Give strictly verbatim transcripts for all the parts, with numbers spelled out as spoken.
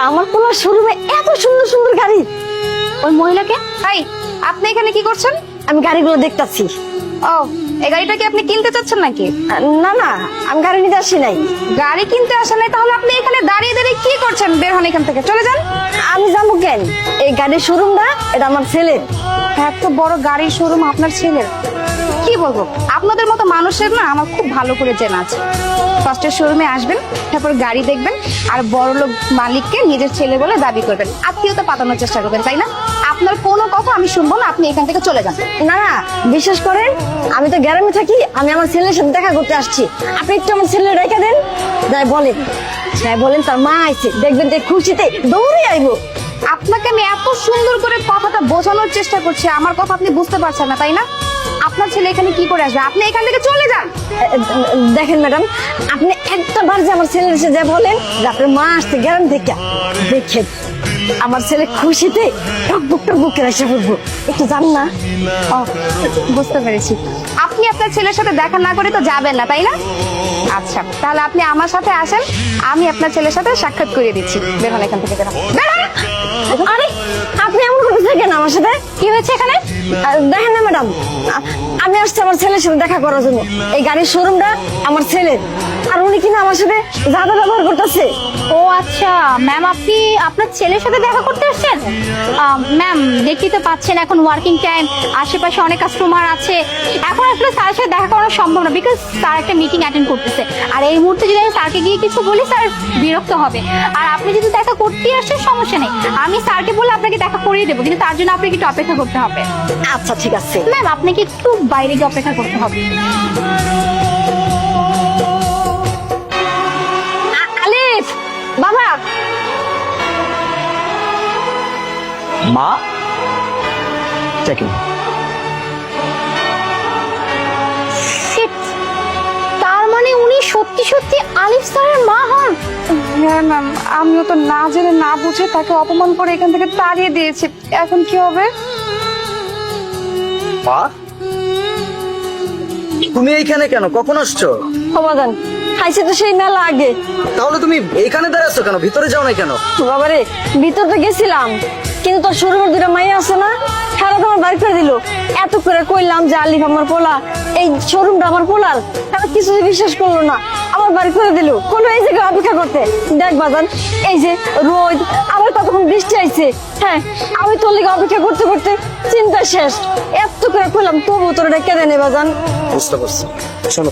আমার পোলার শোরুমে এত সুন্দর সুন্দর গাড়ি। ওই মহিলাকে? হাই, আপনি এখানে কি করছেন? আমি গাড়িগুলো দেখতাছি। ও, এই গাড়িটা কি আপনি কিনতে চাচ্ছেন নাকি? না না, আমি গাড়ি নিতে আসি নাই। গাড়ি কিনতে আসেন নাই? তাহলে আপনি এখানে দাঁড়িয়ে দাঁড়িয়ে কি করছেন? বের হন এখান থেকে, চলে যান। আমি যাবো কেন? এই গাড়ির শোরুমটা এটা আমার ছেলের। এত বড় গাড়ির শোরুম আপনার ছেলের? কি বলবো, আপনাদের মতো মানুষের না আমার খুব ভালো করে চেনা আছে। ফার্স্টে শোরুমে আসবেন, তারপর গাড়ি দেখবেন, আর বড়লোক মালিককে নিজের ছেলে বলে দাবি করবেন, আত্মীয়তা পাতানোর চেষ্টা করবেন, তাই না? আপনার কোনো কথা আমি শুনবো না, আপনি এখান থেকে চলে যান। না না, বিশ্বাস করেন আমি তো গ্রামে থাকি, আমি আমার ছেলের সাথে দেখা করতে আসছি। আপনি একটু আমার ছেলে রেখে দেন। যাই বলেন, যাই বলেন তার মা আইছে, দেখবেন যে খুশিতে দৌড়ে আইবো। আপনাকে আমি এত সুন্দর করে কথাটা বোঝানোর চেষ্টা করছি, আমার কথা আপনি বুঝতে পারছেন না, তাই না? আপনার ছেলে এখানে কি করে আসবে? আপনি এখান থেকে চলে যান। দেখেন ম্যাডাম, আপনি একটা বার যে আমার ছেলের এসে যা বলেন যে আপনার মা আসছে গ্রাম থেকে, দেখেন আমার ছেলে খুশিতে টকবুক টকবুক করে এসে পড়বো। একটু জান না? ও, বুঝতে পেরেছি। আপনি আপনার ছেলের সাথে দেখা না করে তো যাবেন না, তাই না? আচ্ছা, তাহলে আপনি আমার সাথে আসেন, আমি আপনার ছেলের সাথে সাক্ষাৎ করিয়ে দিচ্ছি। বের হন এখান থেকে, বের হন। বের হন। আরে আপনি এমন করতে কেন আমার সাথে? কি হয়েছে এখানে? আহ, দেখেন না ম্যাডাম, আমি আসছি আমার ছেলের সাথে দেখা করার জন্য। এই গাড়ির শোরুমটা আমার ছেলের, আর উনি কিনা আমার সাথে যাদা ব্যবহার করতেছে। ও আচ্ছা ম্যাম, আপনি আপনার ছেলের সাথে দেখা করতে আসছেন? ম্যাম, দেখতেই তো পাচ্ছেন এখন ওয়ার্কিং টাইম, আশেপাশে অনেক কাস্টমার আছে, এখন আসলে স্যারের সাথে দেখা করা সম্ভব না, বিকজ স্যার একটা মিটিং অ্যাটেন্ড করতেছে। আর এই মুহূর্তে যদি আমি স্যারকে গিয়ে কিছু বলি, স্যার বিরক্ত হবে। আর আপনি যদি দেখা করতেই আসছেন, সমস্যা নেই, আমি স্যারকে বলে আপনাকে দেখা করিয়ে দেবো, কিন্তু তার জন্য আপনাকে একটু অপেক্ষা করতে হবে। আচ্ছা ঠিক আছে ম্যাম, আপনাকে একটু বাইরে গিয়ে অপেক্ষা করতে হবে। আলিফ বাবা, মা চেকিং। Shit! তার মানে উনি সত্যি সত্যি আলিফ স্যারের মা হন? হ্যাঁ ম্যাম, আমিও তো না জেনে না বুঝে তাকে অপমান করে এখান থেকে তাড়িয়ে দিয়েছি। এখন কি হবে? মা, তুমি এইখানে কেন? কখন আসছো? সমাধান খাইছে তো সেই মেলা আগে। তাহলে তুমি এইখানে দাঁড়াচ্ছ কেন? ভিতরে যাও না কেন? বাবারে, ভিতরটা গেছিলাম, কিন্তু তোর শোরুমের দুটা মাইয়া আছে না, খেলা তোমার বাড়ি করে দিল। এত করে কইলাম যে আলিফ আমার পোলা, এই শোরুমটা আমার পোলার, তারা কিছুই বিশ্বাস করলো না, আমার বাড়ি করে দিল। কোনো এই জায়গায় অপেক্ষা করতে দেখ বাজান, এই যে রোদ, আবার তখন বৃষ্টি আইছে। হ্যাঁ, আমি তোর লিগে অপেক্ষা করতে করতে চিন্তা শেষ। এত করে কইলাম তবু তোর ডেকে দেনে বাজান। বুঝতে পারছি, শোনো।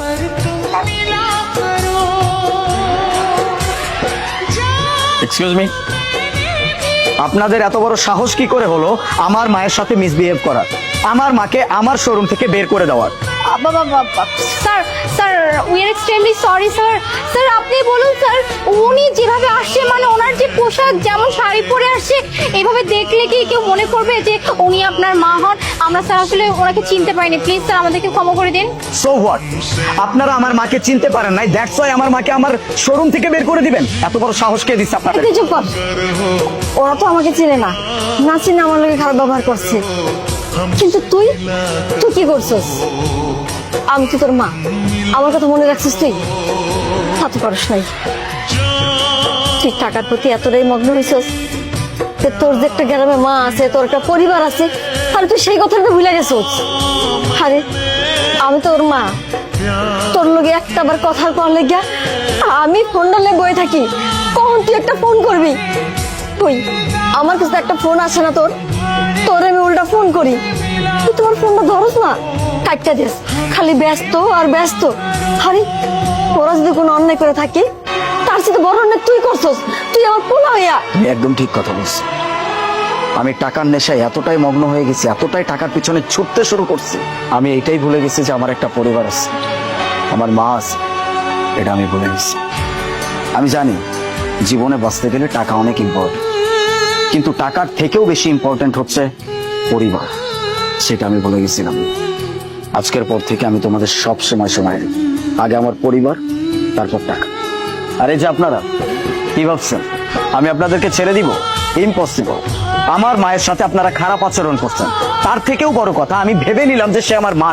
এক্সকিউজ মি, আপনাদের এত বড় সাহস কি করে হলো আমার মায়ের সাথে মিসবিহেভ করার, আমার মাকে আমার শোরুম থেকে বের করে দেওয়ার? Sir sir we are extremely sorry sir. Sir আপনি বলুন স্যার, উনি যেভাবে আসছে, মানে ওনার যে পোশাক, যেমন শাড়ি পরে আসছে, এইভাবে দেখলে কি কেউ মনে করবে যে উনি আপনার মা হন? আমরা স্যার আসলে ওনাকে চিনতে পারিনি, প্লিজ স্যার আমাদেরকে ক্ষমা করে দিন। সো হোয়াট, আপনারা আমার মাকে চিনতে পারেন নাই, দ্যাটস ওয়াই আমার মাকে আমার শোরুম থেকে বের করে দিবেন? এত বড় সাহস কে দিচ্ছে আপনাদের? তুই চুপ কর, ওরা তো আমাকে চিনে না, না চিনে আমার লোকে খারাপ ব্যবহার করছে। কিন্তু তুই তুই কি করছিস? আমি তো তোর মা, আমার কথা মনে রাখছিস তুই? তা তো পারস নাই। তুই টাকার প্রতি এতটাই মগ্ন হয়েছিস যে তোর যে একটা গ্রামে মা আছে, তোর একটা পরিবার আছে, আর তুই সেই কথাটা ভুলে গেছিস। আরে আমি তোর মা, তোর লগে একটা বার কথা কর লেগা আমি ফোনটা লে বয়ে থাকি, কখন তুই একটা ফোন করবি? তুই আমার কাছে একটা ফোন আসে না তোর, তোর আমি উল্টা ফোন করি, তুই তোমার ফোনটা ধরস না, কাটটা দিস, খালি ব্যস্ত আর ব্যস্ত। আরে তোরা যদি কোনো অন্যায় করে থাকি, তার সাথে বড় অন্যায় তুই করছস, তুই আমার পোলা হইয়া। তুমি একদম ঠিক কথা বলছো। আমি টাকার নেশায় এতটাই মগ্ন হয়ে গেছি, এতটাই টাকার পিছনে ছুটতে শুরু করছি, আমি এইটাই ভুলে গেছি যে আমার একটা পরিবার আছে, আমার মা আছে, এটা আমি ভুলে গেছি। আমি জানি জীবনে বাঁচতে গেলে টাকা অনেক ইম্পর্টেন্ট, কিন্তু টাকার থেকেও বেশি ইম্পর্টেন্ট হচ্ছে পরিবার, সেটা আমি ভুলে গেছিলাম। আজকের পর থেকে আমি তোমাদের সব সময় সময় দেব। আগে আমার পরিবার, তারপর টাকা। আর এই যে আপনারা কি ভাবছেন আমি আপনাদেরকে ছেড়ে দিব? ইম্পসিবল। আমার মায়ের সাথে আপনারা খারাপ আচরণ করছেন, তার থেকেও বড় কথা আমি ভেবে নিলাম যে সে আমার মা না,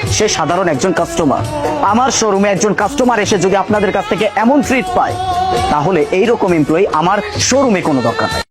সে সাধারণ একজন কাস্টমার। আমার শোরুমে একজন কাস্টমার এসে যদি আপনাদের কাছ থেকে এমন ট্রিট পায়, তাহলে এইরকম এমপ্লয়ি আমার শোরুমে কোনো দরকার নাই।